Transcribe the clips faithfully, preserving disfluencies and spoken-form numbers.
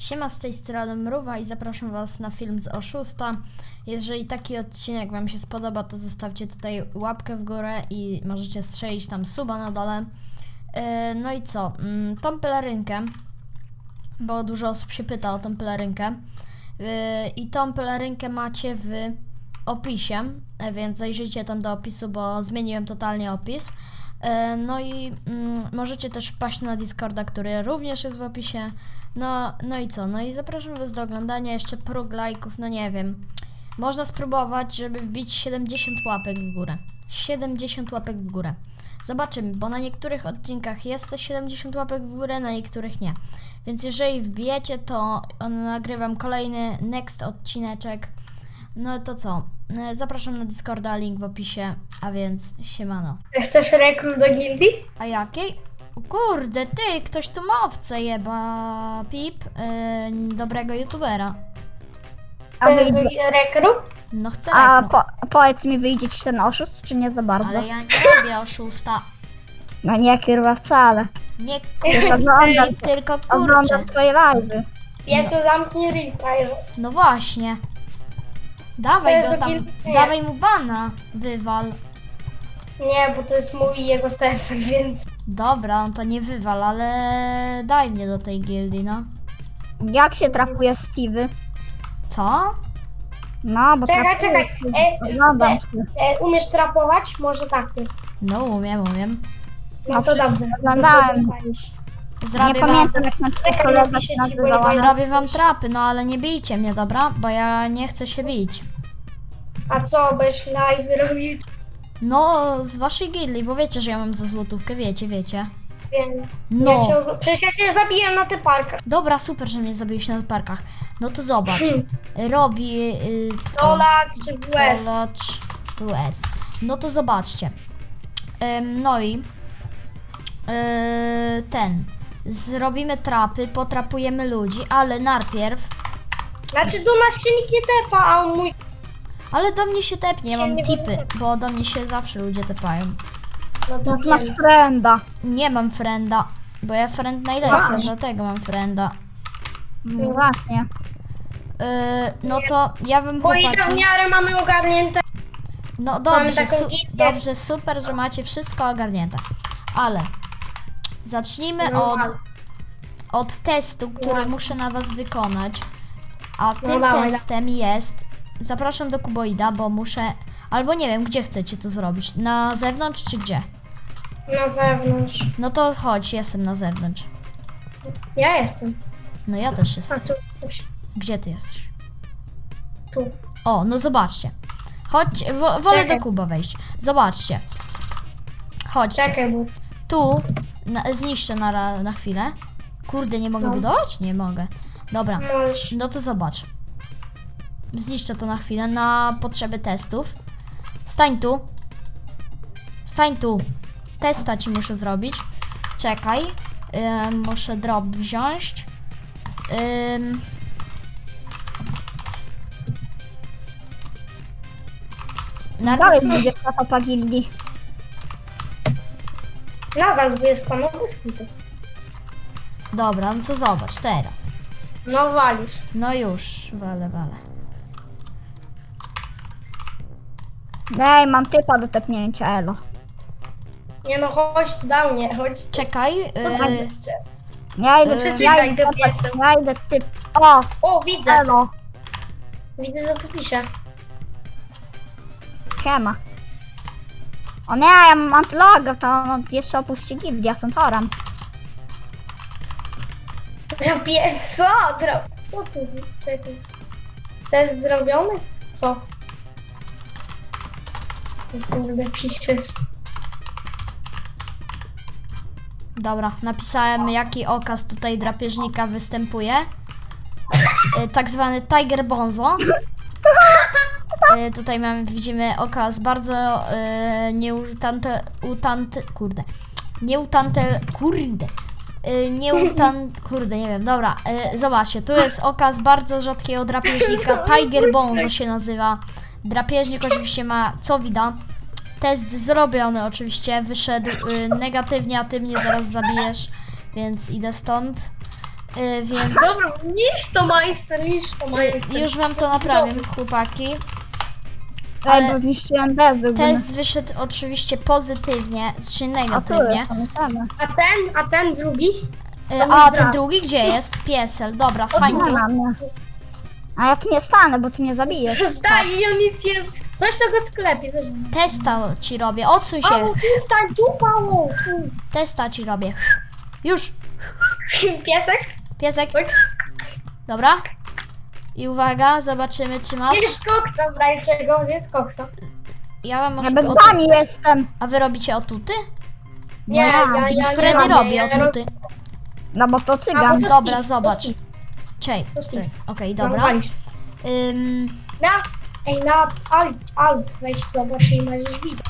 Siema, z tej strony Mruwa i zapraszam Was na film z oszusta. Jeżeli taki odcinek Wam się spodoba, to zostawcie tutaj łapkę w górę i możecie strzelić tam suba na dole. Yy, no i co? Yy, tą pelerynkę, bo dużo osób się pyta o tą pelerynkę. Yy, I tą pelerynkę macie w opisie, więc zajrzyjcie tam do opisu, bo zmieniłem totalnie opis. No i mm, możecie też wpaść na Discorda, który również jest w opisie. No, no i co? No i zapraszam Was do oglądania. Jeszcze próg lajków, no nie wiem. Można spróbować, żeby wbić siedemdziesiąt łapek w górę. siedemdziesiąt łapek w górę. Zobaczymy, bo na niektórych odcinkach jest te siedemdziesiąt łapek w górę, na niektórych nie. Więc jeżeli wbijecie, to nagrywam kolejny next odcineczek. No to co? Zapraszam na Discorda, link w opisie, a więc siemano. Chcesz rekrut do gildii? A jakiej? O kurde, ty, ktoś tu ma owce jeba, pip, yy, dobrego youtubera. A Chcesz wyjdzie, do rekrut? No chcę a rekru, po, powiedz mi, wyjdzie ci ten oszust, czy nie za bardzo? ale ja nie robię oszusta. No nie, kurwa, wcale. Nie Już kurczę, oglądam, tylko kurczę. oglądam twoje live'y. Piesio, zamknij replay. No właśnie. Dawaj Chcesz go do tam, gildii? Nie. dawaj mu bana, wywal. Nie, bo to jest mój i jego serwer, więc... Dobra, on to nie wywal, ale daj mnie do tej gildii, no. Jak się trapuje Steve'y? Co? No, bo Czekaj, trapuję. czekaj. E, Oglądam e, cię. e, umiesz trapować? Może tak. Ty. No umiem, umiem. No No to przecież dobrze. oglądałem. Dostaniesz. Nie Zrobię wam, pamiętam, jak na twój Czekaj, kolega napiszę się ci, bo nazywała. ja- zrobię wam trapy, no ale nie bijcie mnie, dobra? Bo ja nie chcę się bić. A co, byś live robił? No, z waszej gildii, bo wiecie, że ja mam za złotówkę, wiecie, wiecie. Wiem. No. Ja cię, przecież ja cię zabiję na tych parkach. Dobra, super, że mnie zabiłeś na parkach. No to zobacz. Hmm. Robi... Yy, Dolar czy W S? Dolacz U S. No to zobaczcie. Ym, no i... Yy, ten. Zrobimy trapy, potrapujemy ludzi, ale najpierw... Znaczy do nas się nikt nie tepa, a mój... Ale do mnie się tepnie, ja mam Nie tipy, będę. bo do mnie się zawsze ludzie tepają. No to No to masz wiem. frenda. Nie mam frenda, bo ja friend najlepszy, Masz. dlatego mam frenda. No właśnie. Yy, no to ja bym Bo i tak w chłopaki... miarę mamy ogarnięte. No dobrze, taką su gildię. dobrze, super, że macie wszystko ogarnięte. Ale zacznijmy No, od, ale- od testu, który No. muszę na was wykonać. A tym dawaj, dawaj. testem jest... Zapraszam do Kuboida, bo muszę... Albo nie wiem, gdzie chcecie to zrobić. Na zewnątrz czy gdzie? Na zewnątrz. No to chodź, jestem na zewnątrz. Ja jestem. No ja też A jestem. tu coś. Gdzie ty jesteś? Tu. O, no zobaczcie. Chodź, wo wolę Czekaj. do Kuba wejść. Zobaczcie. Chodźcie. Czekaj, bo... Tu na, zniszczę na, ra- na chwilę. Kurde, nie mogę No. budować? Nie mogę. Dobra, Możesz. no to zobacz. Zniszczę to na chwilę na potrzeby testów. Stań tu. Stań tu. Testa ci muszę zrobić. Czekaj. Ym, muszę drop wziąć. Ym. Najpierw- Dalej będziesz na topa gildii. Nadal jest stanowisko. Dobra, no to zobacz teraz. No walisz. No już, wale, wale. Ej, mam typa do tepnięcia, elo. Nie no, chodź tu do mnie, chodź. Czekaj. Co Yy, tam jeszcze? Ja idę, Yy, ja Przeczytaj idę, go piesem. ja idę typ. O, O, widzę. elo. Widzę, co tu pisze. Siema. O nie, ja mam antyloga, to on jeszcze opuści gildię, ja jestem torem. Pies, co? Dro... Co tu? Czekaj. Test zrobiony? Co? O kurde, piszesz. Dobra, napisałem jaki okaz tutaj drapieżnika występuje. Y, tak zwany Tiger Bonzo. Y, tutaj mamy, widzimy okaz bardzo y, nieutante, utante, kurde, nieutante, kurde, y, nieutan, kurde, nie wiem, dobra, y, zobaczcie, tu jest okaz bardzo rzadkiego drapieżnika, Tiger Bonzo się nazywa. Drapieżnik oczywiście ma co widać. Test zrobiony oczywiście, wyszedł y, negatywnie, a ty mnie zaraz zabijesz, więc idę stąd. Y, więc Dobra, niż to majster, niż to y, majster. już wam to naprawię, chłopaki. Ej, Ale bo zniszczyłem bezuk. Test wyszedł oczywiście pozytywnie, czy A tu negatywnie. jest, pamiętamy. A ten, a ten drugi? Y, a ten drugi gdzie jest? Piesel, dobra, stań tu. Nie ma mnie. A ja tu nie stanę, bo ty mnie zabijesz. Stań i on nic nie... Coś tego sklepie, wiesz. Testa ci robię, odsuń się. Paweł, tu stań, tu Paweł, tu. Testa ci robię. Już, Piesek? piesek, Chodź. dobra. I uwaga, zobaczymy czy masz. Jest koksa, brajcie go, jest koksa. Ja wam Ja może bez o wami jestem. A wy robicie otuty? Nie, ja- ja, Big ja, Freddy ja robi ja otuty. No bo to A, cygan. bo to Dobra, Steve, zobacz. to Steve. Czej, To co Steve. jest? Okej, No, dobra. walisz. Ym, Na, ej, na alt, alt, weź zobacz i możesz widzieć.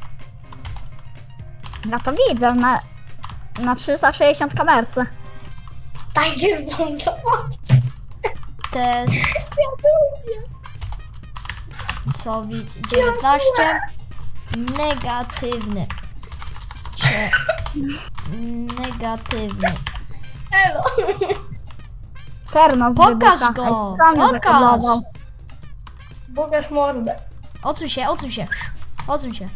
Ja to widzę na, na trzysta sześćdziesiąt kamerce. Tiger Bomb, zobacz. test, Ja to lubię. co widz? dziewiętnaście. Negatywny. Cie, negatywny. Elo. Ferno z Pokaż wybucha. go, Ej, sam mnie pokaż. zakablował. Pokaż mordę. Odsuń się, odsuń się. Odsuń się.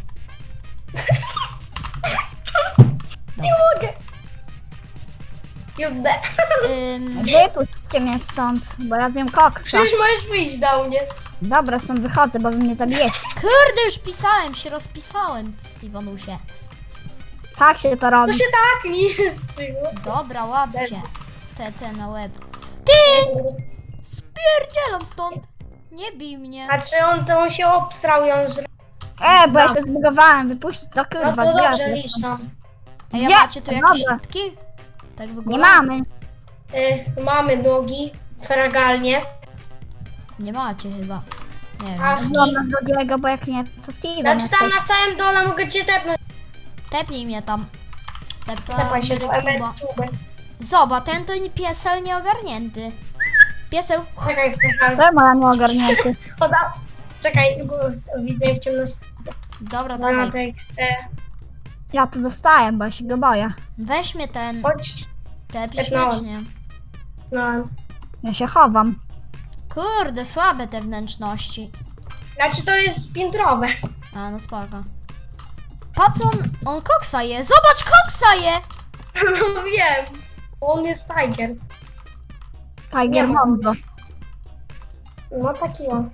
Nie mogę. Jude. Ym, Wypuśćcie mnie stąd, bo ja zjem koksa. Przecież możesz wyjść do mnie. Dobra, stąd wychodzę, bo wy mnie zabijecie. kurde, już pisałem, się rozpisałem, Stevenusie. Tak się to To robi. się tak niszczy. Dobra, łapcie. Te, te na łeb. Ty! Spierdzielam stąd. Nie bij mnie. A czy on to on się obstrał i on żre... E, bo ja się zbugowałem, wypuśćcie to No kurwa. to gdzie ja dobrze, tu licz jestem? tam. A ja Gdzie? macie tu jakieś Dobra. nitki? Tak w ogóle? Nie mamy. Y, mamy nogi, fragalnie. Nie macie chyba. Nie A wiem. No na drugiego, bo jak nie, to Steven Znaczy jesteś. tam na samym dole mogę cię tepnąć. Tepnij mnie tam. Tepaj się Tepamy do Kuba. emerytury. Zobacz, ten to nie piesel nieogarnięty. Pieseł. Czekaj, czekaj. Czemu ja nie ogarnięty? Poda... Czekaj, bo s- widzę w ciemności. Dobra, Dobra, dawaj. tekst. E, Ja tu zostaję, bo ja się go boję. Weź mnie ten. chodź. Tepisz Tepnąłem. mnie, czy nie? No. Ja się chowam. Kurde, słabe te wnętrzności. Znaczy to jest piętrowe. A, no spoko. Patrz, on, on koksa je. Zobacz, koksa je! No wiem. On jest tiger. Nie Tiger ma. Monzo. No taki on.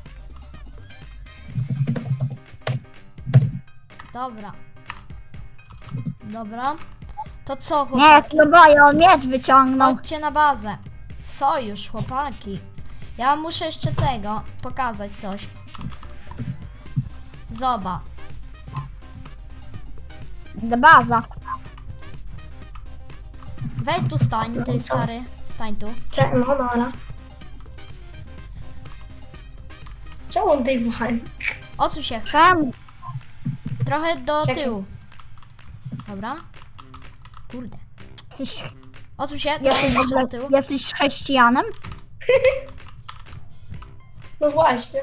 Dobra. Dobra. To co, Nie, ja chłopaki? się go boję, on miecz wyciągnął. Chodźcie na bazę. Sojusz, chłopaki. Ja wam muszę jeszcze tego pokazać coś. Zoba. Baza. Weź tu stań, ty stary. Stań tu. Cze- no dobra. Czemu on tej wali? Odsuń się. Czemu? Trochę do Czekaj. tyłu. Dobra. Kurde. Jesteś, Odsuń się, trochę jesteś, w jeszcze ogóle, do tyłu. jesteś chrześcijanem? No właśnie.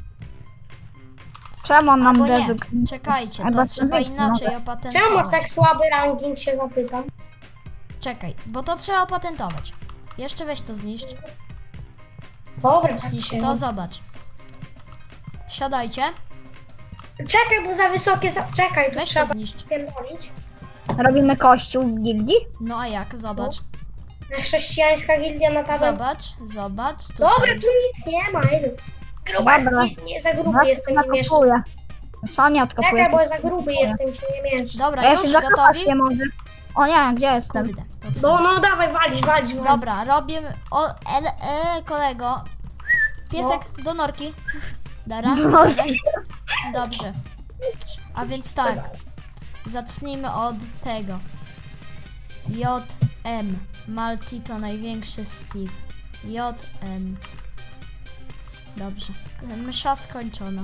Czemu on nam Albo nie. bezuk? Czekajcie, Albo to co trzeba myśli, inaczej może. opatentować. Czemu masz tak słaby ranking, się zapytam? Czekaj, bo to trzeba opatentować. Jeszcze weź to zniszcz. Dobra, tak Zniszcz się. to, zobacz. Siadajcie. Czekaj, bo za wysokie za... Czekaj, tu Weź to trzeba zniszcz. pierdolić. Robimy kościół w gildii? No a jak? Zobacz. Chrześcijańska gildia na tabel. Zobacz, zobacz. Tutaj. Dobra, tu nic nie ma, idę. Gruba Dobra. jest, nie, nie, za gruby No, jestem, nie mieszczę. nakopuję. Co nie odkopuję? Czekaj, bo za gruby jestem, się nie mieszczę. Dobra, A ja się już zakopać gotowi? nie mogę. O nie, gdzie jestem? Kurde, popsułem. No, no, dawaj, walić, walić, walić. Dobra, robimy. O, el, e, kolego. Piesek do norki. Dara. Do norki. Dobrze. A więc tak. Zacznijmy od tego. J M. Malti to największy Steve. J M. Dobrze. Msza skończona.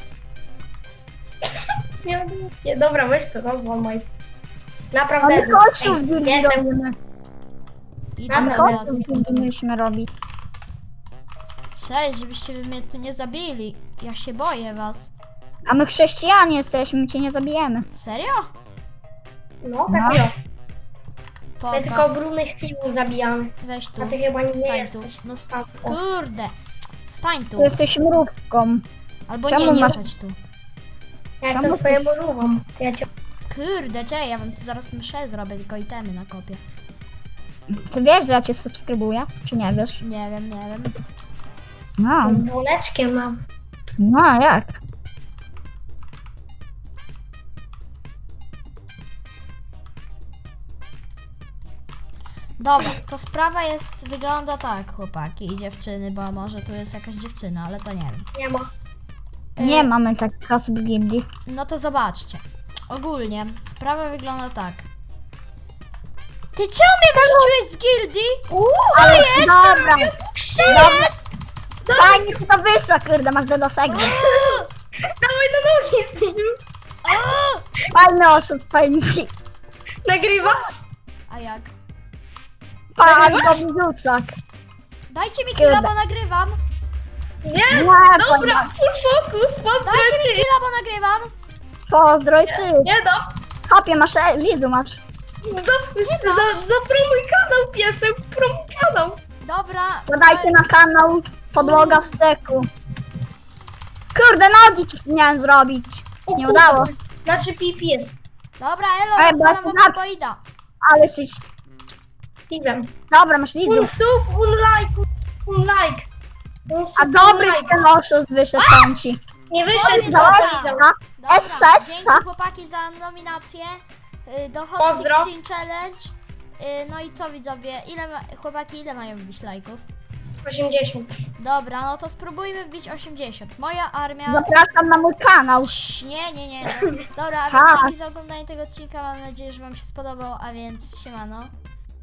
Nie, nie, dobra, weź to, rozłamaj. Naprawdę. Ale jestem- kościół w Ej, gildii jestem- robimy. Idę Ale do Kościół was. w gildii mieliśmy robić. Cześć, żebyście wy mnie tu nie zabili. Ja się boję was. A my chrześcijanie jesteśmy, cię nie zabijemy. Serio? No, No. tak, jo. My tylko spoko. brudnych Steve'ów zabijamy. Weź tu. A ty chyba nie Stań jesteś. tu. No st- A, o. kurde. Stań tu. Ty jesteś mrówką. Albo czemu nie, nie masz- wchodź tu. Ja jestem Czemu- twoją mrówą. Ja cię... Kurde, czekaj, ja wam tu zaraz mszę zrobię, tylko itemy na kopie. Ty wiesz, że ja cię subskrybuję? Czy nie wiesz? Nie wiem, nie wiem. No, Z dzwoneczkiem mam. no a jak? Dobra, to sprawa jest, wygląda tak, chłopaki i dziewczyny, bo może tu jest jakaś dziewczyna, ale to nie wiem. Nie ma. Nie Y, mamy takich osób w gildii. No to zobaczcie. Ogólnie sprawa wygląda tak. Ty czemu mnie wyrzuciłeś z gildii? Ale jest? Dobra, Co jest? fajnie ci to wyszło, kurde, masz do dosegu. Dawaj do nogi, Steve. O! Fajny osób, fajny ci. Nagrywasz? A jak? Pan Bobiucak. Dajcie mi Kurde. killa, bo nagrywam. Nie, Nie, dobra, fajna. full focus, pozdro Dajcie mi ty. killa, bo nagrywam. Pozdroj ty. Nie no, Hopie, masz e, Lizu, masz. za, za, zapromuj kanał, piesek, promuj kanał. Dobra. Podajcie na kanał Podłoga w steku. Kurde, nogi ci miałem zrobić. O Nie kurde. udało. Znaczy pipi jest Dobra, elo, Ej, rozwalam bo- wam Boida. Ale jesteś... Steve'em. Dobra, masz Lizu. Un sub, un like, un like. Un sub, A dobry un ci like. ten oszust wyszedł tam ci. Nie wyszedł, Dobra. dobra. Dobra. Dobra, Essa, essa. dzięki chłopaki za nominację y, do Hot Pozdro. szesnaście Challenge. Y, No i co widzowie, ile ma, chłopaki ile mają wbić lajków? osiemdziesiąt. Dobra, no to spróbujmy wbić osiemdziesiąt. Moja armia... Zapraszam na mój kanał. Sz, nie, nie, nie. Dobra, a Tak. więc dzięki za oglądanie tego odcinka. Mam nadzieję, że wam się spodobał, a więc siemano.